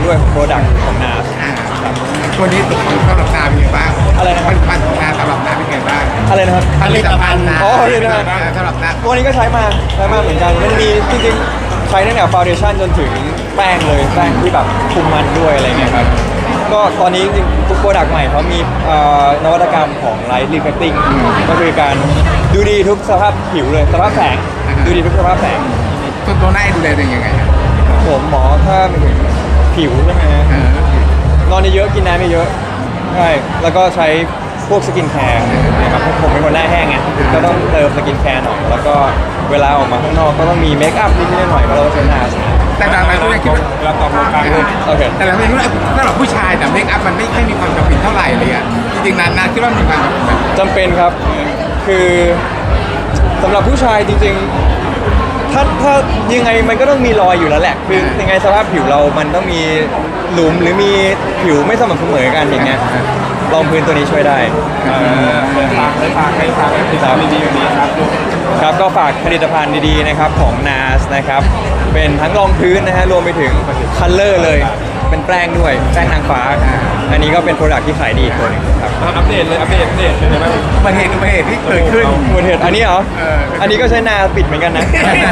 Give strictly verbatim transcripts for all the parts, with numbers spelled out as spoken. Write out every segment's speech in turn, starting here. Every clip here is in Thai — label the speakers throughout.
Speaker 1: ด้วยของโปรดักต์ของนาส
Speaker 2: อ่าตัวนี้ตัวของสำหรับนาเป็นไงบ้าง
Speaker 1: อะไรนะ
Speaker 2: ผลิตภัณฑ์ของนาสำหรับนาเป็นไงบ้าง
Speaker 1: อะไรนะครับ
Speaker 2: ผลิตภัณฑ์นา
Speaker 1: อ๋อผลิตภัณฑ์
Speaker 2: สำหรับนา
Speaker 1: ตัวนี้ก็ใช้มาใช้มาเหมือนกันมันมีจริงๆใช้ตั้งแต่ฟาวเดชั่นจนถึงแป้งเลยแป้งที่แบบคุมมันด้วยอะไรเงี้ยครับก็ตอนนี้จริงๆทุกโปรดักต์ใหม่เขามีเอ่อนวัตกรรมของ Light Reflecting ก็คือการดูดีทุกสภาพผิวเลยสภาพแสงดูดีทุกสภาพแสง
Speaker 2: ตัวตัวหน้าดูแลตัวเองยังไงอะ
Speaker 1: ผมหมอถ้าไม่ถึงผิวใช่ไหมฮะ
Speaker 2: เออน
Speaker 1: อนเยอะๆกินน้ำเยอะๆใช่แล้วก็ใช้พวกสกินแคร์นะครับผมเป็นคนหน้าแห้งไงก็ต้องเติมสกินแคร์หน่อยแล้วก็เวลาออกมาข้างนอกก็ต้องมีเมคอัพนิดๆหน่อยๆก็เราก็ใช้นาส
Speaker 2: แต่หลายๆคนยังคิดว่า
Speaker 3: เราตอบโครงการเลย
Speaker 1: โอเค
Speaker 2: แต่หลายคนคิดว่าสำหรับผู้ชายแต่เมคอัพมันไม่ค่อยมีความจำเป็นเท่าไหร่เลยอ่ะจริงๆนานาคิดว่ามีความจำเป็นไหม
Speaker 1: จำเป็นครับคือสำหรับผู้ชายจริงๆถ้าถ้ายังไงมันก็ต้องมีรอยอยู่แล้วแหละคือยังไงสภาพผิวเรามันต้องมีหลุมหรือมีผิวไม่สม่ำเสมอกันอย่างเงี้ยรองพื้นตัวนี้ช่วยได้
Speaker 3: เออเลยฝากเลยฝากให้ฝากให้ติดตามดีๆแบบนี้ครับ
Speaker 1: ครับก็ฝากผลิตภัณฑ์ดีๆนะครับของ นาส นะครับเป็นทั้งรองพื้นนะฮะรวมไปถึงคัลเลอร์เลยเป็นแป้งด้วยแป้งนางฟ้า อันนี้ก็เป็นโปรดักที่ขายดีอีกตัวหนึงครับ
Speaker 3: อัปเดตเลยอัปเดตอัปเดตเลยนะ
Speaker 2: อุบัติเหตุอุบัติเหตุที่เกิดขึ้น
Speaker 1: อุบัติเหตุอันนี้เหรอ
Speaker 2: เออ
Speaker 1: อันนี้ก็ใช้นาปิดเหมือนกันนะ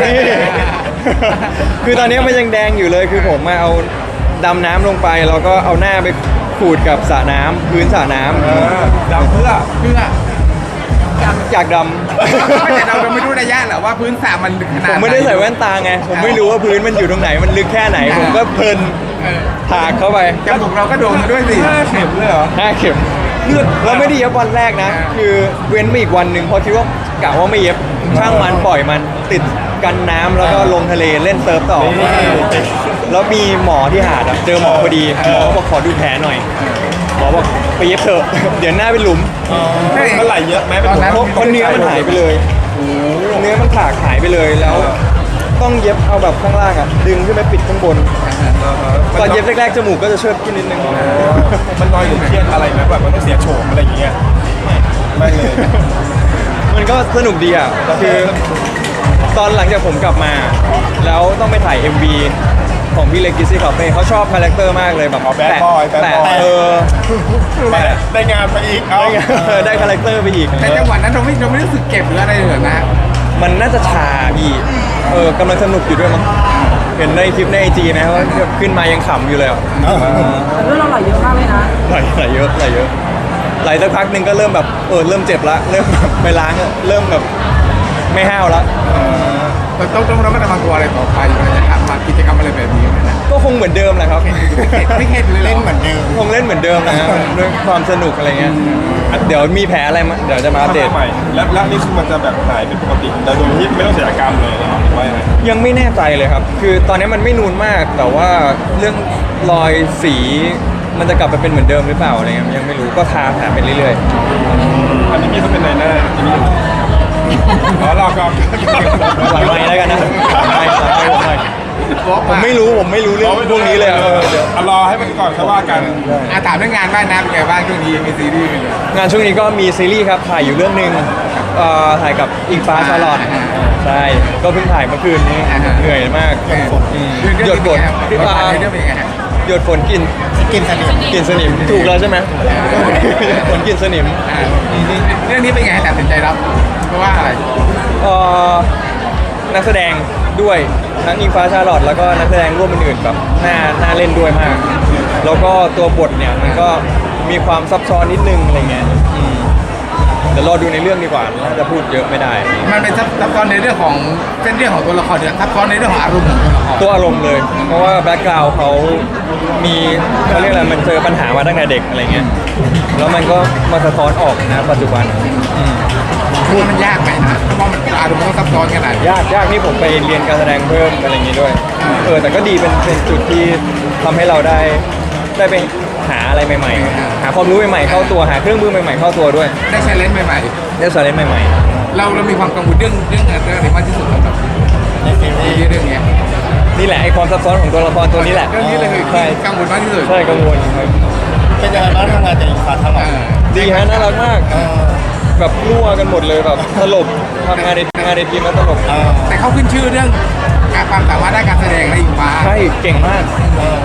Speaker 1: คือตอนนี้มันยังแดงอยู่เลยคือผมมาเอาดำน้ำลงไปแล้วก็เอาหน้าไปขูดกับสระน้ำพื้นสระน้ำ
Speaker 3: เออดำเพื่อ
Speaker 2: เพื่อ
Speaker 1: อยากด
Speaker 2: ไม่แต่เราเราไม่รู้ระยะหรอกว่าพื้นสระมันข
Speaker 1: ำ
Speaker 2: นา
Speaker 1: ผ
Speaker 2: ด
Speaker 1: มไม่ได้ใส่แว่นตาไง ผมไม่รู้ว่าพื้นมันอยู่ตรงไหนมันลึกแค่ไหน ผมก็เพลิน
Speaker 2: เออ
Speaker 1: ถากเข้าไป
Speaker 2: จมูกเราก็โดนมาด้วยสิ
Speaker 3: ห้าเข็มเลยเหรอ
Speaker 1: ห้าเข็มเลือดเราไม่ได้เย็บวันแรกนะ คือเว้นมาอีกวันหนึ่งเพราะคิดว่ากะว่าไม่เย็บช่างมันปล่อยมันติดกันน้ำแล้วก็ลงทะเลเล่นเซิร์ฟต่อ แล้วมีหมอที่หาดอะเจอหมอพอดีหมอบอกขอดูแผลหน่อยหมอบอกไปเย็บเถอะ เดี๋ยวหน้าเป็นหลุม
Speaker 3: มันไหลเยอะไหม
Speaker 2: ตอนนั้น
Speaker 1: เพราะเพราะเนื้อมันหายไปเลยเนื้อมันถากหายไปเลยแล้ว ต้องเย็บเอาแบบข้างล่างอ่ะดึงขึ้นไปปิดข้างบนตอนเย็บแรกๆจมูกก็จะเชิดขึ้นนิดนึง
Speaker 3: มันน้อยหรือเครียดอะไรไหมแบบมันต้องเสียโฉมอะไรอย่างเงี้ยไม่เลย
Speaker 1: มันก็สนุกดีอ่ะคือตอนหลังจากผมกลับมา แล้วต้องไปถ่าย เอ็ม วี ของพี่เล็กกิซี่คาเฟ่เขาชอบคาแรคเตอร์มากเลยแบบ
Speaker 3: อ๋อ bad boy bad
Speaker 1: แต่
Speaker 3: boy
Speaker 1: เออ
Speaker 3: แต่ได้งานไปอีกเอา
Speaker 1: ได้ไงได้คาแรคเตอร์ไปอีก
Speaker 2: แต่จังหวะนั้นเราไม่เราไม่รู้สึกเจ็บหรืออะไรเลยเหรอนะ
Speaker 1: มันน่าจะชาพี่เออกำลังสนุกอยู่ด้วยมั้งเห็นในคลิปในไอจีนะว่าขึ้นมายังขำอยู่เลยอ่ะ
Speaker 4: แต่เรื่องเราไหลเยอะมากเลยนะ
Speaker 1: ไหลไหลเยอะไหลเยอะไหลสักพักหนึ่งก็เริ่มแบบเออเริ่มเจ็บละเริ่มแบบไปล้างอะเริ่มแบบไม่ห้าวละ
Speaker 2: เราต้องต้องระมัดระวังตัวอะไรต่อไปเวลาจะทำมากิจกรรมอะไรแบบนี้นะ
Speaker 1: ก็คงเหมือนเดิมแหละครับ
Speaker 2: ไม่เข็ดเลยเล่นเหมือนเดิม
Speaker 1: คงเล่นเหมือนเดิมนะฮะด้วยความสนุกอะไรเงี้ยเดี๋ยวมีแผลอะไรมาเดี๋ยวจะมาอัปเดต
Speaker 3: ใหม่แล้วแล้วนี่คือมันจะแบบหายเป็นปกติแต่โดยที่ไม่ต้องเสียอาการเลยหรือว่ายังไง
Speaker 1: ยังไม่แน่ใจเลยครับ คือตอนนี้มันไม่นูนมาก แต่ว่าเรื่องรอยสีมันจะกลับไปเป็นเหมือนเดิมหรือเปล่าอะไรเงี้ยยังไม่รู้ก็ทาแผลไปเรื่อย
Speaker 3: อันนี้มีต้องเป็นในหน้าอันนี้อ๋อรอก่อน
Speaker 1: ๆหลังไม้แล้วกันนะหลังไม้หลังไม้ผมหน่อยผมไม่รู้ผมไม่รู้เรื่องพวกนี้เลยอะเออเดี๋ยว
Speaker 3: รอให้มันก่อนค่อยว่ากัน
Speaker 2: อาถามเรื่องงานบ้างนะเป็นไงบ้างช่วงนี้มีซีรีส์เป็นไง
Speaker 1: งานช่วงนี้ก็มีซีรีส์ครับถ่ายอยู่เรื่องหนึ่งเอ่อถ่ายกับอิงฟ้าชาลอตใช่ก็เพิ่งถ่ายเมื่อคืนนี้เหนื่อยมากอืมหยดฝน
Speaker 2: เรื่องเป็นไง
Speaker 1: หยดฝนกิน
Speaker 2: กินสนิม
Speaker 1: กินสนิมถูกแล้วใช่ไหมฝนกินสนิม
Speaker 2: เรื่องนี้เป็นไงตัดสินใจรับเพราะว่าอะไร
Speaker 1: เอ่อนักแสดงด้วยทั้งอิงฟ้าชาลอตแล้วก็นักแสดงร่วมอื่นๆแบบน่าน่าเล่นด้วยมาก แล้วก็ตัวบทเนี่ยมันก็มีความซับซ้อนนิดนึงอะไรเงี้ยอืมเดี๋ยวรอดูในเรื่องดีกว่าน่าจะพูดเยอะไม่ได้
Speaker 2: มันเป็นซับซ้อนในเรื่องของเส้นเรื่องของตัวละครเนี่ยซับซ้อนในเรื่องของอารมณ์ของตัวละคร
Speaker 1: ตัวอารมณ์เลย เพราะว่าแบ็กกราวด์เขามีเขาเรียกอะไรมันเจอปัญหามาตั้งแต่เด็กอะไรเงี้ยแล้วมันก็มาสะท้อนออกนะปัจจุบันอืม
Speaker 2: พูดมันยากไหมนะเพราะมันอารมณ์มันต้องซับซ้อนขนาดนี้
Speaker 1: ยากยากนี่ผมไปเรียนการแสดงเพิ่มอะไรอย่างงี้ด้วยเออแต่ก็ดีเป็นเป็นจุดที่ทำให้เราได้ได้ไปหาอะไรใหม่ๆ หาความรู้ใหม่ๆเข้าตัวหาเครื่องมือใหม่ๆเข้าตัวด้วย
Speaker 2: ได้ใช้เลนส์ใหม่
Speaker 1: ได้สาระใหม่
Speaker 2: ๆเราเรามีความกังวลเรื่องเรื่องเรื่องอะไรมากที่สุดสำหรับในซีรีส์เรื่องเนี้ย
Speaker 1: ๆนี่แหละไอความซับซ้อนของตัวละครตัวนี้แหละ
Speaker 2: เรื่องนี้เลยคือ
Speaker 1: ใช่
Speaker 2: กังวลมากที่สุด
Speaker 1: ใช่กังวลครับ
Speaker 5: เป็นยังไงบ้างทำงานกับอิงฟ้าทั้งหม
Speaker 2: เอ
Speaker 5: ด
Speaker 2: อ
Speaker 1: ดีฮะน่ารักมาก แบบรั่วกันหมดเลยแบบตลกทำงานในงานในทีมแล้วตลก
Speaker 2: แต่เขาขึ้นชื่อเรื่องการความสามารถด้านการแสดงในอิงฟ้า
Speaker 1: ใช่เก่งมาก
Speaker 2: บอก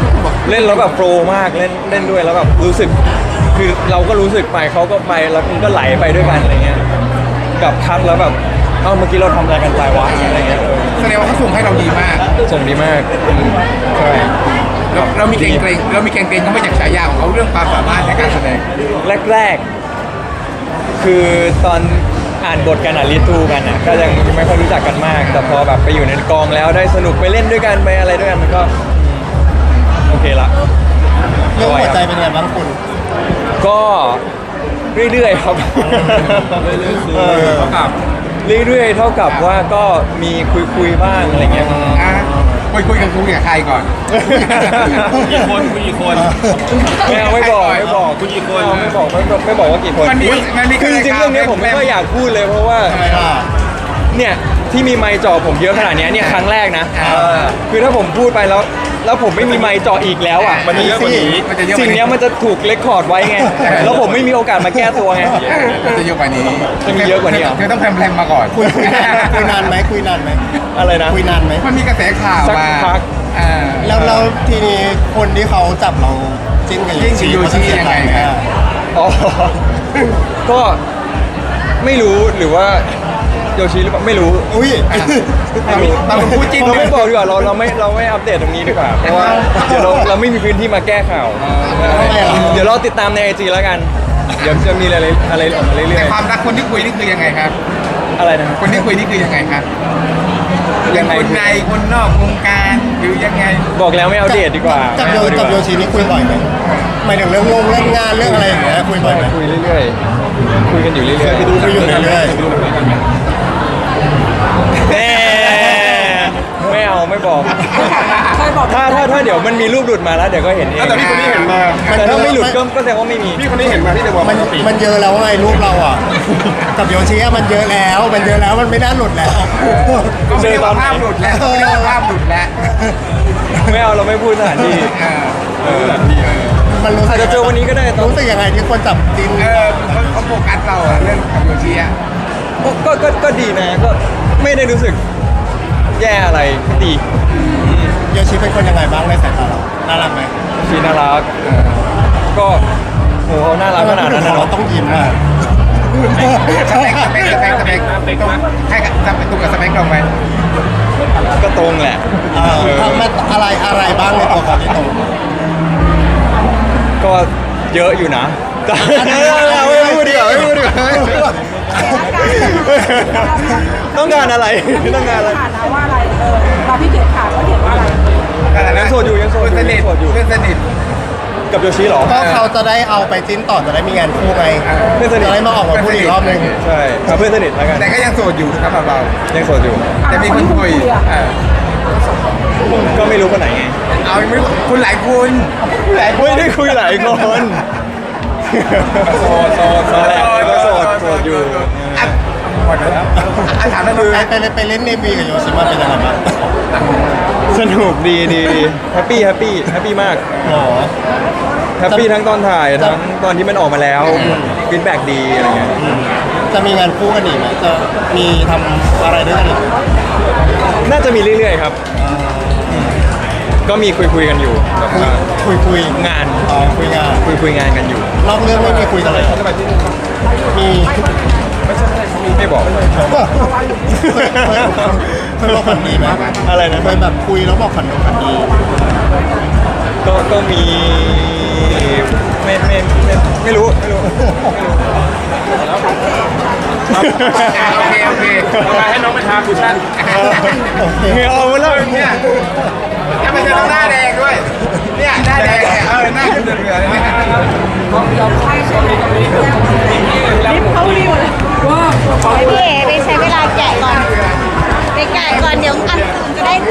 Speaker 1: เล่นแล้วแบบโปรมากเล่นเล่นด้วยแล้วแบบรู้สึกคือเราก็รู้สึกไปเขาก็ไปแล้วมันก็ไหลไปด้วยกันอะไรเงี้ยกับคัดแล้วแบบเอ้าเมื่อกี้เราทำอะไรกันไปวะอะไรเงี้ยเออ
Speaker 2: แสดงว่าเขาส่งให้เราดีมาก
Speaker 1: ส่งดีมากใช่
Speaker 2: เราเรามีเกรงเกรงเรามีเกรงเกรงเขามาจากฉายาของเขาเรื่องความสามารถในการแสดง
Speaker 1: แรกๆ คือตอนอ่านบทกันอ่ะรีทูกันอ่ะก็ยังไม่ค่อยรู้จักกันมาก แต่พอแบบไปอยู่ในกองแล้วได้สนุกไปเล่นด้วยกันไปอะไรด้วยกันมันก็โอเคละ
Speaker 5: เรื่องหัวใจเป็นไงบ้างคุณ
Speaker 1: ก็เรื่อยๆครับ
Speaker 3: เออเขากลับ
Speaker 1: เรื่อยๆเท่ากับว่าก็มีคุยๆบ้างอะไรเงี้ย
Speaker 2: อ่ะคุยคุยกันคุยกับใครก่อน
Speaker 3: กี่คนคุยกี่คน
Speaker 1: ไม่เอาไม่บอกไม่บอก
Speaker 3: คุยกี่คน
Speaker 1: ไม่เอาไม่บอกไม่บอกไม่บอกว่ากี่คน
Speaker 2: มันมีมันมี
Speaker 1: คือจริงๆเรื่องนี้ผมไม่ค่อยอยากพูดเลยเพราะว่า
Speaker 5: ทำไมล่ะ
Speaker 1: เนี่ยที่มีไมค์จ่อผมเยอะขนาดเนี้ยเนี่ยครั้งแรกนะ
Speaker 2: อ่า
Speaker 1: คือถ้าผมพูดไปแล้ว แล้วผมไม่มีไมค์จ่ออีกแล้วอ่ะ
Speaker 3: มันจะเยอะกว่านี้
Speaker 2: มันจะเยอะก
Speaker 1: สิ่
Speaker 2: ว่าง
Speaker 1: เนี้ยมันจะถูกเลคคอร์ดไว้ไง แล้วผมไม่มีโอกาสมาแก้ตัวไง
Speaker 2: มันจะเยอะกว่านี้
Speaker 1: จะมีเยอะกว่านี้เหรอ
Speaker 2: เธอต้องแพรมๆมาก่อน
Speaker 5: คุยคุยนานคุยนานไหมคุยนานไหม
Speaker 1: อะไรนะ
Speaker 5: คุยนานไหม
Speaker 2: มันมีกระแสข่าว
Speaker 1: สัก
Speaker 2: มา
Speaker 1: พัก
Speaker 2: อ่า
Speaker 5: แล้วแล้วทีนี้คนที่เขาจับเราจิ้นกับ
Speaker 2: จิ้นกับโยชิยังไงครับ
Speaker 1: อ๋อ ก็ไม่รู้หรือว่าโยชิหรือเปล่าไม่รู้
Speaker 5: อุ้ย
Speaker 1: ไม่รู้
Speaker 2: บางคนพูดจิ้น
Speaker 1: เราไม่บอกดีกว่าเราเราไม่เราไม่อัปเดตตรงนี้ดีกว่าเพราะว่าเดี๋ยวเราเราไม่มีพื้นที่มาแก้ข่าว
Speaker 5: ทำไมอ่ะ
Speaker 1: เดี๋ยวเราติดตามในไอจีแล้วกัน เดี๋ยวจะมีอะไรอะไรออกมาเรื่
Speaker 2: แต่
Speaker 1: อย
Speaker 2: ความรักคนที่คุยนี่คือยังไงครับ
Speaker 1: ๆอะไรนะ
Speaker 2: คนที่คุยนี่คือยังไงครับ
Speaker 1: ยั
Speaker 2: ยัง
Speaker 1: งไง
Speaker 2: คนในคนนอกวงการหรือยังไง
Speaker 1: บอกแล้วไม่เอาเดทดีกว่า
Speaker 5: จับโย
Speaker 1: ไม่เอาดีกว่า
Speaker 5: จับโยชินี่คุยบ่อยไหมหมายถึงเรื่องงงเรื่องงานเรื่องอะไรอย่างเงี้ยคุยบ่อยไหม
Speaker 1: คุยเรื่อยๆคุยกันอยู่เรื่อยๆ
Speaker 5: ไปดูคุยอยู่เรื่อย
Speaker 1: แน่ไม่เอาไม่บอก
Speaker 4: เคยบอก
Speaker 1: ถ้าถ้าถ้าเดี๋ยวมันมีรูปหลุดมาแล้วเดี๋ยวก็เห็นเอง
Speaker 3: แต่พี่คนนี้เห็นมา
Speaker 1: แต่ถ้าไม่หลุดก็ก็แสดงว่าไม่มี
Speaker 3: พี่คนนี้เห็นมาที่เดอะวอล
Speaker 5: ๆมันมันเยอะแล้วไงรูปเราอ่ะ กับโยชิอะมันเยอะแล้ว มันเยอะแล้วมันไม่น่าหลุดแล้ว
Speaker 2: ก็ไม่ได้ว่าภาพหลุดแล้วก็ไม่ได้ว่าภาพหลุดแล้ว
Speaker 1: ไม่เอาเราไม่พูดสถานที่
Speaker 2: อ่า
Speaker 1: เออ
Speaker 5: มันรู้สึ
Speaker 1: อาจ
Speaker 5: ก
Speaker 1: จะเจอวันนี้ก็ได้ตอน
Speaker 5: รู้สึกยังไงที่คนจับจิ้น
Speaker 2: เออเขาเขาโฟกัสเราอะเรื่องกับโยชิอะ
Speaker 1: ก็ก็ก็ก็ดีนะก็ไม่ได้รู้สึกแย่อะไรก็ดี
Speaker 5: โยชิเป็นคนยังไงบ้างในสายตาเราน่ารักไหม
Speaker 1: ชีน่ารักก็โหเขาน่ารักขนาดนั้นนะ
Speaker 5: เรา
Speaker 1: เนาะ
Speaker 5: ต้องยิ้มอ่ะ
Speaker 2: สเปคสเปคสเปคสเปคสเปคใช่กับสเปคตรงกับสเปคเราไหม
Speaker 1: ก็ตรงแหละ
Speaker 5: เออทำมาอะไรอะไรบ้างในตัวเขาที่ตรง
Speaker 1: ก็เยอะอยู่นะแต่ไม่พูดดีกว่าไม่พูดดีกว่าต้องการอะไรต้องการอะไร
Speaker 4: ถามนะว่าอะไรเออเราพี่เกดถามว่าเกดว่าอะไร
Speaker 1: ยังโสดอยู่ยังโสดอยู่
Speaker 2: เพื่อนสนิท
Speaker 1: ยังโสดอยู่
Speaker 2: เพื่อนสนิท
Speaker 1: กับโยชิเหรอ
Speaker 5: ก็เขาจะได้เอาไปจิ้นต่อจะได้มีงานคู่ไง
Speaker 1: เพื่อนสนิท
Speaker 5: จะได้มาออกมาพูดอีกรอบนึง
Speaker 1: ใช่เอาเพื่อนสนิทแล้วกัน
Speaker 2: แต่ก็ยังโสดอยู่ครับเรา
Speaker 1: ยังโสดอยู่
Speaker 2: แต่มีคนคุยเออ
Speaker 1: ก็ไม่รู้คนไหนไง
Speaker 2: เอาไม่รู้คุณหลายคน
Speaker 1: หลายคนไม่ได้คุยหลายคนโสดโสดโสดแหละก็โสดโสดอยู่
Speaker 2: อ่ะหมดแล้วอ่ะถามแล้วดู
Speaker 5: ไปไปเล่นไปเล่นเนวีกับโยชิมาเป็นยังไงบ้าง
Speaker 1: สนุกดีดีดีแฮปปี้แฮปปี้แฮปปี้มาก
Speaker 5: หรอ
Speaker 1: แฮปปี้ทั้งตอนถ่ายทั้งตอนที่มันออกมาแล้วฟีดแบ็กดีอะไรเงี้ย
Speaker 5: จะมีงานคู่กันอีกไหมจะมีทำอะไรด้วยกันอีกไหม
Speaker 1: น่าจะมีเรื่อยๆครับ ก็มีคุยคุยๆกันอยู่แบบว่า
Speaker 5: คุยคุย
Speaker 1: งาน
Speaker 5: อ๋อคุยงาน
Speaker 1: คุยคุยงานกันอยู่
Speaker 5: นอกเรื่องไม่มีคุยกันเลยมี
Speaker 1: ไม่บอก
Speaker 5: เคยบอกฝันดีไหม
Speaker 1: อะไรนะ
Speaker 5: เคยแบบคุยแล้วบอกฝันดีฝันดี
Speaker 1: ก็ก็มีไม่ไม่ไม่ไม่รู้ไม่รู้ไม่รู้
Speaker 2: อ่ะโอเคโอเค
Speaker 3: เอามาให้น้องไปทาคุชชั่น
Speaker 5: โอเค
Speaker 1: เหงาเอาแล้ว
Speaker 2: เนี่ยทำไมเธอต้องหน้าแดงด้วย เนี่ยหน้าแดงเนี่ยเออหน้าขึ้นเหลืองๆเนี่ย
Speaker 4: ลิฟต์เขาดีหมดเลยว่า
Speaker 6: พี่เอ๋ไปใช้เวลาแกะก่อน ไปแกะก่อนเดี๋ยวอันอื่นจะได้